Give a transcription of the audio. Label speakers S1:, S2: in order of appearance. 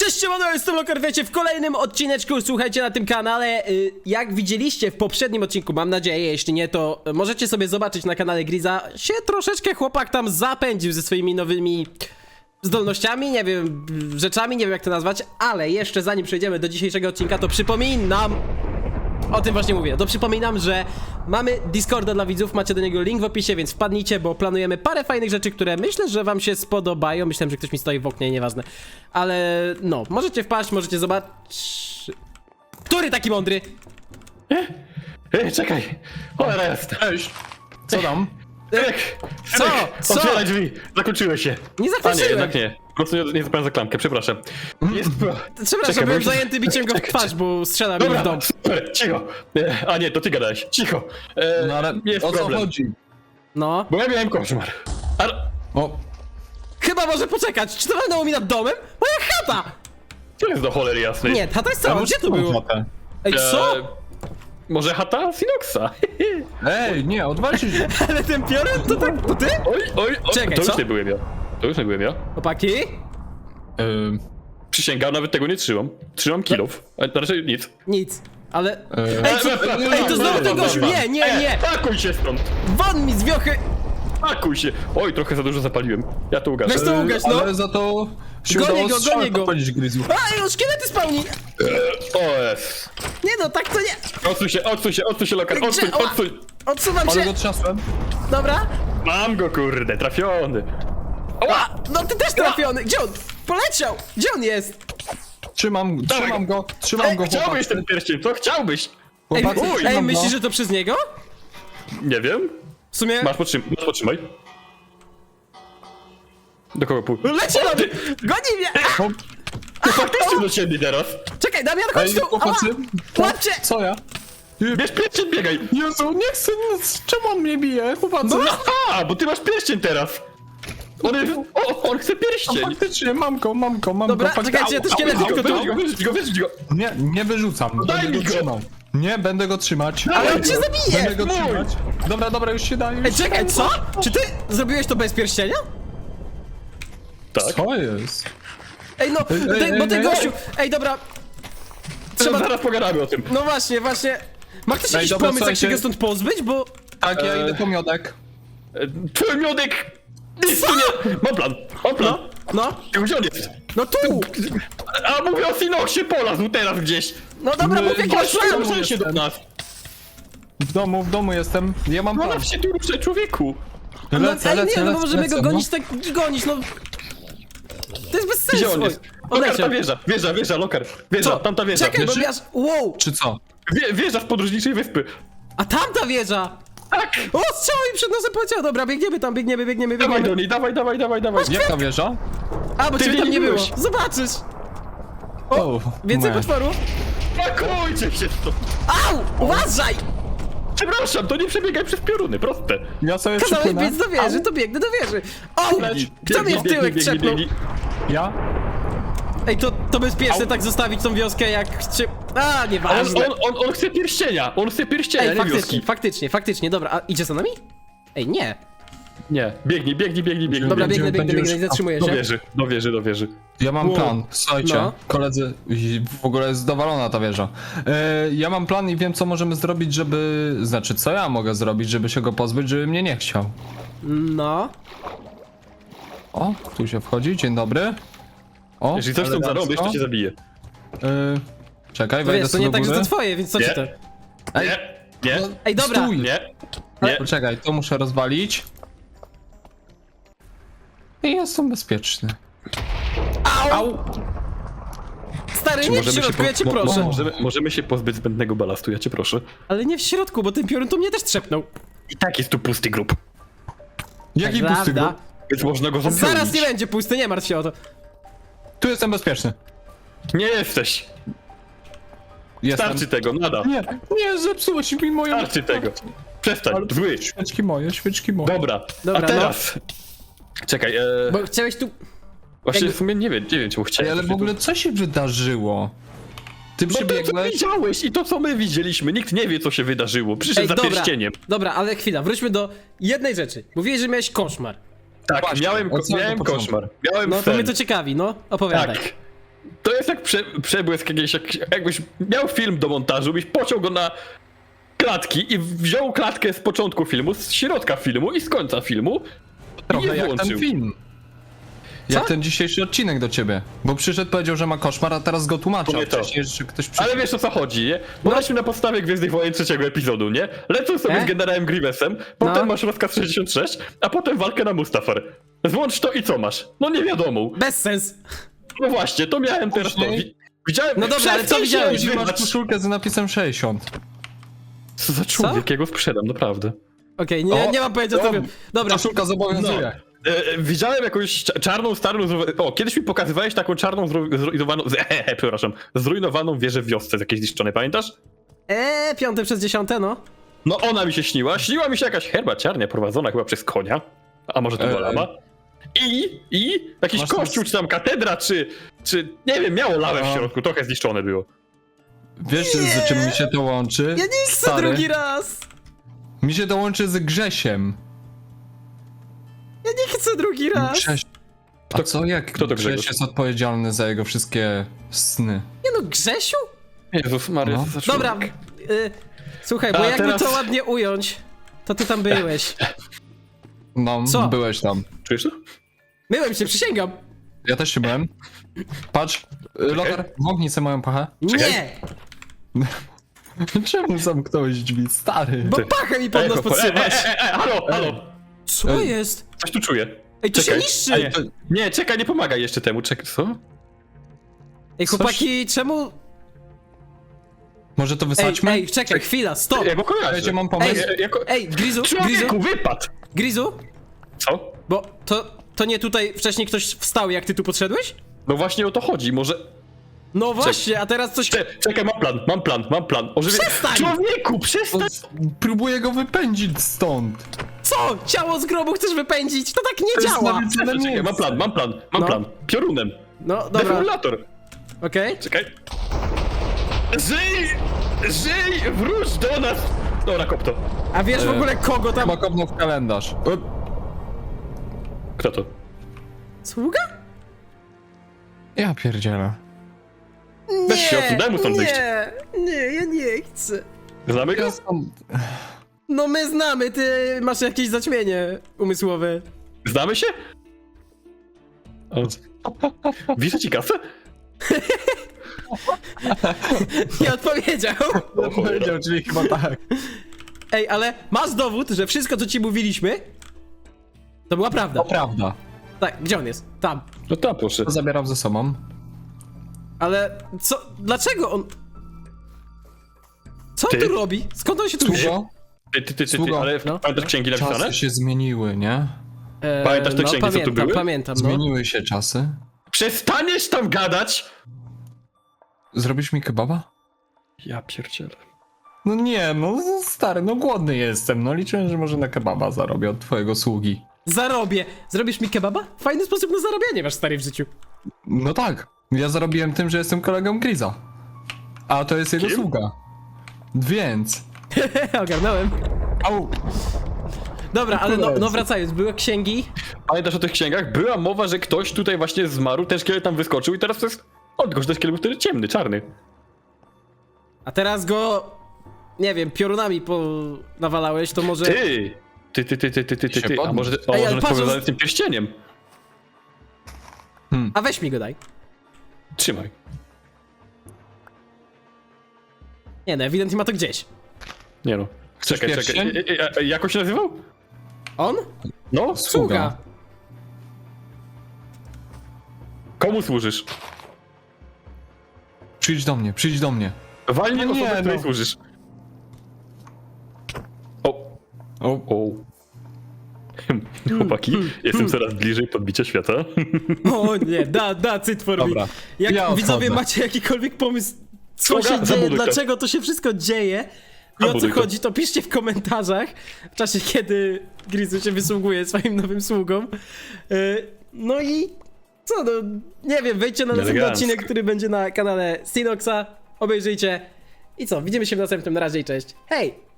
S1: Cześć, siemano, jestem Locker, wiecie, w kolejnym odcineczku, słuchajcie, na tym kanale, jak widzieliście w poprzednim odcinku, mam nadzieję, jeśli nie, to możecie sobie zobaczyć na kanale Griza, się troszeczkę chłopak tam zapędził ze swoimi nowymi zdolnościami, nie wiem, rzeczami, nie wiem jak to nazwać, ale jeszcze zanim przejdziemy do dzisiejszego odcinka, to przypominam, o tym właśnie mówię, to przypominam, że mamy Discorda dla widzów, macie do niego link w opisie, więc wpadnijcie, bo planujemy parę fajnych rzeczy, które myślę, że wam się spodobają. Myślałem, że ktoś mi stoi w oknie, nieważne. Ale no, możecie wpaść, możecie zobaczyć... Który taki mądry?
S2: Czekaj! Cholera jest!
S3: Cześć! Co tam?
S1: Co?
S2: Otwieraj drzwi! Zakończyły się!
S1: Nie
S2: A nie,
S1: zakończyłem.
S2: jednak nie. Po prostu nie zapałem za klamkę, przepraszam. Jest...
S1: Przepraszam,
S2: Czekaj,
S1: byłem
S2: bo-
S1: zajęty biciem go w twarz, bo strzela mi w
S2: Dobra,
S1: dom.
S2: super, cicho! A nie, to ty gadałeś, cicho!
S3: No ale
S2: jest
S3: o co
S2: problem,
S3: chodzi?
S1: No.
S2: bo ja miałem koszmar. Ale...
S3: O,
S1: Chyba może poczekać, czy to walnęło mi nad domem? Moja chata!
S2: Co jest do cholery jasnej?
S1: Nie, chata jest cała, gdzie to było? Ej, co?
S2: Może chata Sinoxa?
S3: Ej, nie, odwalcie się.
S1: Ale ten piorun to tak, to ty?
S2: Oj,
S1: Czekaj,
S2: to
S1: co?
S2: już nie byłem ja. To już nie byłem ja.
S1: Chłopaki?
S2: Przysięgam, nawet tego nie trzymam. Trzymam kilów. A raczej nic.
S1: Nic, ale...
S3: Ej,
S1: Ej, to znowu ten gościu, nie!
S2: Pakuj się stąd!
S1: Won mi z wiochy!
S2: Pakuj się! Oj, trochę za dużo zapaliłem. Ja to ugaszę.
S1: Weź to ugaś, no!
S3: Ale za to się
S1: Gonię
S3: udało
S1: go,
S3: strzał
S1: gonię go.
S3: podpalić Grizu.
S1: A, już szkielety spełni!
S2: O, jest.
S1: Nie no, tak to nie!
S2: Odsuń się, Lokar, odsuń.
S1: Ała! Odsuwam
S3: Ale
S1: się!
S3: go trzasłem.
S1: Dobra.
S2: Mam go, kurde, trafiony.
S1: A, no ty też trafiony! Gdzie on? Poleciał! Gdzie on jest?
S3: Trzymam go,
S1: Ej,
S3: chłopak.
S2: Chciałbyś ten pierścień, co chciałbyś?
S1: Ej,
S3: Chłopacy,
S2: ej,
S3: trzymam go.
S1: myślisz, że to przez niego?
S2: Nie wiem.
S1: W sumie...
S2: Masz podtrzymaj. Do kogo pół?
S1: Leci na mnie! Goni mnie! A,
S2: To faktycznie do ciebie teraz.
S1: czekaj, Damian, chodź
S3: Ej,
S1: tu! Ała!
S3: chłopacy.
S1: Łapcie!
S3: Co ja?
S2: Bierz pierścień, biegaj.
S3: Jezu, nie chcę, czemu on mnie bije, chłopacy?
S2: No, aha, bo ty masz pierścień teraz. On chce pierścień.
S3: Faktycznie, mam go,
S1: Dobra,
S3: faktycznie.
S1: czekajcie, ja te szkielety tylko tu...
S2: Wyrzuć go.
S3: Nie wyrzucam,
S2: daj
S3: będę
S2: mi
S3: go
S2: go.
S3: trzymał. Nie, będę go trzymać.
S1: Ale on cię zabije!
S3: Będę go
S2: Mój.
S3: trzymać. Dobra, już się daje.
S1: Ej, czekaj, co? Czy ty zrobiłeś to bez pierścienia?
S2: Tak.
S3: Co jest?
S1: Ej, no, bo ten gościu... Ej, dobra... Trzeba...
S2: Zaraz pogadamy o tym.
S1: No właśnie. Ma ktoś jakiś
S3: dobra,
S1: pomysł, jak się
S3: słuchajcie.
S1: go stąd pozbyć, bo...
S3: Tak, ja idę po miodek.
S2: Twój miodek! Nic tu nie... Mam plan.
S1: No,
S2: Gdzie on jest?
S1: no tu!
S2: A mówię o Sinoxie, polazł teraz gdzieś.
S1: No dobra, mów jakiegoś
S2: Chodź,
S1: planu!
S2: ruszaj się do nas.
S3: W domu jestem. Ja mam
S2: No
S3: plan.
S2: na się tu ruszaj, człowieku.
S1: No,
S3: Lecę,
S1: nie, no bo możemy
S3: lecę,
S1: go gonić, tak gonić, no... To jest bez sensu!
S2: Gdzie on jest? Lokar,
S1: Odleciał.
S2: ta wieża, Lokar. Wieża,
S1: Co?
S2: tamta wieża.
S1: Czekaj, bo
S3: Wieży?
S1: ja... Wow!
S3: Czy co?
S2: Wieża z podróżniczej wyspy.
S1: A tamta wieża!
S2: Tak.
S1: O, strzał mi przed nosem poleciał! Dobra, biegniemy tam, biegniemy.
S2: Dawaj do niej, dawaj.
S3: Jaka wieża?
S1: A, bo
S2: Ty
S1: ciebie tam nie było.
S2: byłeś.
S1: Zobaczysz!
S3: O,
S1: Więcej
S3: nie.
S1: potworów?
S2: Pakujcie się to.
S1: Au! Uważaj!
S2: Przepraszam, to nie przebiegaj przez pioruny, proste.
S3: Ja sobie
S1: Kazałeś
S3: przypłynę.
S1: biec do wieży, to biegnę do wieży. O! Kto mnie w tyłek trzepnął?
S3: Ja?
S1: Ej, to bezpieczne tak zostawić tą wioskę jak... A, nieważne.
S2: On chce pierścienia,
S1: Ej,
S2: nie wioski.
S1: faktycznie, dobra, a idzie za nami? Ej, nie.
S2: Nie, biegnij.
S1: Dobra,
S3: Będziemy-
S1: biegnę,
S3: będziemy-
S1: zatrzymuję się.
S2: Do wieży.
S3: Ja mam
S1: Wow.
S3: plan, słuchajcie,
S1: No.
S3: koledzy, w ogóle jest dowalona ta wieża. Ja mam plan i wiem co możemy zrobić, żeby... Znaczy, co ja mogę zrobić, żeby się go pozbyć, żeby mnie nie chciał.
S1: No.
S3: O, tu się wchodzi, dzień dobry. O,
S2: Jeżeli coś tam
S3: elegancko.
S2: zarobisz, to cię zabije.
S3: Czekaj,
S1: To
S3: wejdę
S1: wiesz, to
S3: sobie
S1: nie
S3: do
S1: tak, że
S3: góry.
S1: to twoje, więc co ci to?
S2: Nie.
S1: Ej, dobra.
S3: Stój.
S2: Nie.
S3: Poczekaj, to muszę rozwalić. I jestem bezpieczny.
S1: Au! Stary, nie w środku, ja cię proszę.
S2: Możemy się pozbyć zbędnego balastu, ja cię proszę.
S1: Ale nie w środku, bo ten piorun to mnie też trzepnął.
S2: I tak jest tu pusty grób,
S3: Jaki
S1: Prawda?
S3: pusty grób?
S2: więc można go zapełnić.
S1: Zaraz nie będzie pusty, nie martw się o to.
S3: Tu jestem bezpieczny.
S2: Nie jesteś.
S3: Jestem.
S2: Starczy tego, nada.
S3: Nie, zepsułeś mi moją...
S2: Starczy tego. Przestań,
S3: Ale-
S2: zły.
S3: Świeczki moje.
S2: Dobra,
S1: Dobra,
S2: a teraz... Czekaj,
S1: Bo chciałeś tu...
S2: właśnie
S1: jakby-
S2: w sumie nie wiem, czemu
S3: Ej,
S2: chciałem.
S3: ale w ogóle co się wydarzyło? Ty
S2: No to, co
S3: przybiegłeś...
S2: widziałeś i to, co my widzieliśmy, nikt nie wie, co się wydarzyło. Przyszedł za
S1: dobra,
S2: pierścieniem.
S1: dobra, ale chwila, wróćmy do jednej rzeczy. Mówiłeś, że miałeś koszmar.
S2: Tak,
S3: Właśnie,
S2: miałem
S3: od samego początku.
S2: koszmar. Miałem
S1: No to
S2: sen.
S1: mnie to ciekawi, no, opowiadaj.
S2: Tak. To jest jak przebłysk jakiś, jakbyś miał film do montażu, byś pociął go na klatki i wziął klatkę z początku filmu, z środka filmu i z końca filmu i
S3: Trochę
S2: je
S3: jak
S2: włączył.
S3: ten film. Jak ten dzisiejszy odcinek do ciebie. Bo przyszedł, powiedział, że ma koszmar, a teraz go tłumaczy.
S2: To nie
S3: A
S2: to.
S3: wcześniej jeszcze ktoś przyszedł.
S2: Ale wiesz o co chodzi, nie? Bo leśmy na podstawie Gwiezdnych Wojen trzeciego epizodu, nie? Lecą sobie z generałem Grievousem, potem masz rozkaz 66, a potem walkę na Mustafar. Włącz to i co masz? No nie wiadomo.
S1: Bez sens.
S2: No właśnie, to miałem teraz to.
S3: Później-
S2: Widziałem...
S1: No dobra, ale co
S2: Przestań się
S1: widziałeś?
S3: Masz
S2: odzywać.
S3: koszulkę z napisem 60.
S2: Co za człowiek, ja go sprzedam, naprawdę.
S1: Okej,
S3: O,
S1: nie mam pojęcia co
S3: o,
S1: wiem. Dobra,
S3: Koszulka zobowiązuje.
S2: Widziałem jakąś czarną, starą... O, kiedyś mi pokazywałeś taką czarną, zrujnowaną... przepraszam. Zrujnowaną wieżę w wiosce z jakiejś zniszczonej, pamiętasz?
S1: 5 przez 10, no.
S2: No ona mi się śniła. Śniła mi się jakaś herbaciarnia prowadzona chyba przez konia. A może to była lama? I jakiś
S3: Masz
S2: kościół, czy tam katedra, czy nie wiem, miało lawę w
S3: A.
S2: środku, trochę zniszczone było.
S3: Wiesz, z czym mi się to łączy?
S1: Ja nie chcę
S3: Stary?
S1: drugi raz.
S3: Mi się to łączy z Grzesiem.
S1: Ja nie chcę drugi raz.
S3: Grześ... A
S2: Kto-
S3: co, jak
S2: kto to
S3: Grześ
S2: Grzegorz?
S3: jest odpowiedzialny za jego wszystkie sny?
S1: Nie no, Grzesiu?
S2: Jezus Maria,
S3: No.
S2: co za człowiek.
S1: Dobra, słuchaj, bo
S2: A
S1: jakby
S2: teraz-
S1: to ładnie ująć, to ty tam byłeś.
S3: No,
S1: Co?
S3: byłeś tam.
S2: Czujesz to?
S1: Byłem się, przysięgam.
S3: Ja też się byłem. Patrz, Logar, wąchnij sobie moją pachę.
S1: Nie,
S3: Czemu zamknąłeś drzwi, stary?
S1: bo pachę mi pod nos podsyłasz.
S2: Halo!
S1: Co jest?
S2: Coś tu czuję.
S1: Ej, to się
S2: Czekaj.
S1: niszczy.
S2: A nie, czekaj, nie pomagaj jeszcze temu. Czekaj, co?
S1: Ej, chłopaki, czemu...
S3: Może to wysadźmy?
S1: Ej, czekaj, chwila, stop.
S2: Ja go kojarzę.
S3: Wiecie, mam pomysł.
S1: Ej, Grizu,
S2: Człowieku, wypadł!
S1: Grizu,
S2: Co?
S1: bo to nie tutaj wcześniej ktoś wstał, jak ty tu podszedłeś?
S2: No właśnie o to chodzi, może...
S1: No właśnie, a teraz coś...
S2: Czekaj, mam plan.
S1: Przestań!
S2: Człowieku, przestań!
S3: Próbuję go wypędzić stąd.
S1: Co? Ciało z grobu chcesz wypędzić? To tak nie
S3: jest
S1: działa!
S3: nawet-
S2: Czekaj, mam
S1: No.
S2: plan. Piorunem.
S1: No, dobra,
S2: Defibrillator.
S1: okej.
S2: Czekaj. Żyj! Wróć do nas! Dobra, kop to.
S1: A wiesz w ogóle kogo tam...
S3: Chyba kopnął w kalendarz.
S2: Kto to?
S1: Sługa?
S3: Ja pierdzielę.
S2: Weź się odsuń, daj mu stąd wyjść.
S1: Nie, ja nie chcę.
S2: Znamy go?
S3: Ja stąd...
S1: No my znamy, ty masz jakieś zaćmienie umysłowe.
S2: Znamy się? O. Widzę ci kasę?
S1: Nie odpowiedział.
S2: O, cholera.
S3: Powiedział, czyli chyba tak.
S1: Ej, ale masz dowód, że wszystko co ci mówiliśmy, to była prawda.
S3: To prawda.
S1: Tak, gdzie on jest? Tam.
S2: No tam proszę.
S3: To zabieram ze sobą.
S1: Ale co? Dlaczego on... Co on
S2: Ty?
S1: tu robi? Skąd on się tu wziął?
S3: Sługo,
S2: Ty,
S3: Sługo.
S2: ale
S1: No.
S2: pamiętasz księgi napisane?
S3: czasy się zmieniły, nie?
S2: Pamiętasz te
S1: no,
S2: księgi, co tu
S1: pamiętam,
S2: były?
S1: pamiętam, no.
S3: Zmieniły się czasy.
S2: Przestaniesz tam gadać!
S3: Zrobisz mi kebaba?
S2: Ja pierdzielę.
S3: No nie, no stary, no głodny jestem. No liczyłem, że może na kebaba zarobię od twojego sługi.
S1: Zarobię. Zrobisz mi kebaba? Fajny sposób na zarabianie masz, stary, w życiu.
S3: No tak, ja zarobiłem tym, że jestem kolegą Griza. A to jest jego
S2: Kim?
S3: sługa. Więc...
S1: Ogarnąłem.
S3: Au!
S1: Dobra, ale no wracając, były księgi.
S2: Pamiętasz o tych księgach? Była mowa, że ktoś tutaj właśnie zmarł, ten szkielet tam wyskoczył i teraz to jest... O, tylko że ten szkielet był wtedy ciemny, czarny.
S1: A teraz go, nie wiem, piorunami nawalałeś, to może...
S2: Ty!
S3: Się
S2: A
S3: podnieś.
S2: może
S1: Ej,
S2: on
S1: ale
S2: jest
S1: patrz,
S2: powiązany z tym pierścieniem?
S1: A weź mi go daj.
S2: Trzymaj.
S1: Nie no, ewidentnie ma to gdzieś.
S2: Nie no.
S3: Chcesz
S2: Czekaj.
S3: pierścień?
S2: Jak on się nazywał?
S1: On?
S2: No?
S1: Sługa.
S2: Komu służysz?
S3: Przyjdź do mnie, przyjdź do mnie.
S2: Walnie
S3: No nie,
S2: osobę, której
S3: no.
S2: służysz. O.
S3: O,
S2: Chłopaki, jestem coraz bliżej podbicia świata.
S1: O nie, cyt for me.
S3: Dobra,
S1: Jak
S3: ja odchodzę.
S1: widzowie macie jakikolwiek pomysł, co
S2: Sługa,
S1: się dzieje,
S2: zabuduj to.
S1: dlaczego to się wszystko dzieje i o co
S2: Zabuduj to.
S1: chodzi, to piszcie w komentarzach w czasie, kiedy Grizu się wysługuje swoim nowym sługom. No i co, no nie wiem, wejdźcie na następny
S2: Elegancko.
S1: odcinek, który będzie na kanale Sinoxa, obejrzyjcie i co, widzimy się w następnym, na razie i cześć, hej!